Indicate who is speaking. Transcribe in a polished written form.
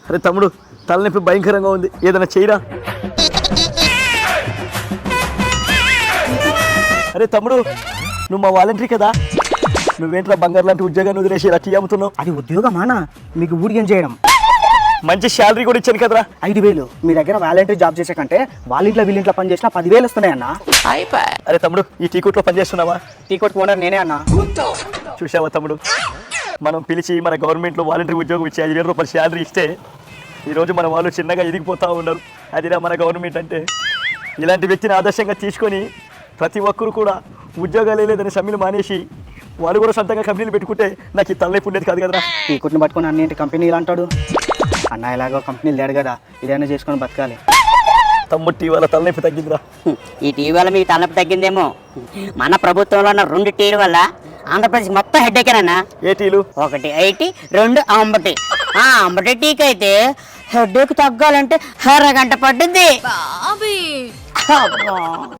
Speaker 1: అరే తమ్ముడు, తలనొప్పి భయంకరంగా ఉంది, ఏదైనా చేయరా. అరే తమ్ముడు, నువ్వు మా వాలంటరీ కదా, నువ్వేంట్రా బంగారు లాంటి ఉద్యోగాన్ని వదిలేసి ఇలా టీ అమ్ముతున్నావు?
Speaker 2: అది ఉద్యోగమానా? మీకు ఊడికి ఏం చేయడం?
Speaker 1: మంచి శాలరీ కూడా ఇచ్చాను కదరా.
Speaker 2: 5,000. మీ దగ్గర వాలంటరీ జాబ్ చేసే కంటే వాళ్ళ ఇంట్లో వీళ్ళింట్లో పని చేసినా 10,000 వస్తున్నాయన్నా.
Speaker 1: అరే తమ్ముడు, ఈ టీ కొట్లో పని చేస్తున్నావా?
Speaker 2: టీ కొట్టు ఓనర్ నేనే అన్నా.
Speaker 1: చూసావా తమ్ముడు, మనం పిలిచి మన గవర్నమెంట్లో వాలంటరీ ఉద్యోగం ఇచ్చి 5,000 రూపాయలు శాలరీ ఇస్తే ఈరోజు మన వాళ్ళు చిన్నగా ఎదిగిపోతూ ఉన్నారు. అదిరా మన గవర్నమెంట్ అంటే. ఇలాంటి వ్యక్తిని ఆదర్శంగా తీసుకొని ప్రతి ఒక్కరు కూడా ఉద్యోగాలు లేదని సమ్మెలు మానేసి వాళ్ళు కూడా సొంతంగా కంపెనీలు పెట్టుకుంటే నాకు ఈ తలనొప్పి ఉండేది కాదు కదరా.
Speaker 2: టీ కొట్టుని పట్టుకొని అన్నింటి కంపెనీ ఇలా అంటాడు. అన్న ఇలాగో కంపెనీలు లేడు కదా, ఇదైనా చేసుకొని బతకాలి.
Speaker 1: తమ్ముడు టీ వల్ల తలనొప్పి తగ్గిందిరా.
Speaker 3: ఈ టీవీ వల్ల మీకు తలనొప్పి తగ్గిందేమో. మన ప్రభుత్వంలో ఉన్న 2 టీవీ వల్ల ఆంధ్రప్రదేశ్ మొత్తం హెడ్ఏకేనన్నా.
Speaker 1: ఏ టీలు?
Speaker 3: 1 ఐటీ, 2 అంబటి. అంబటి టీకి అయితే హెడ్ఏక్ తగ్గాలంటే 1 గంట పట్టుద్ది.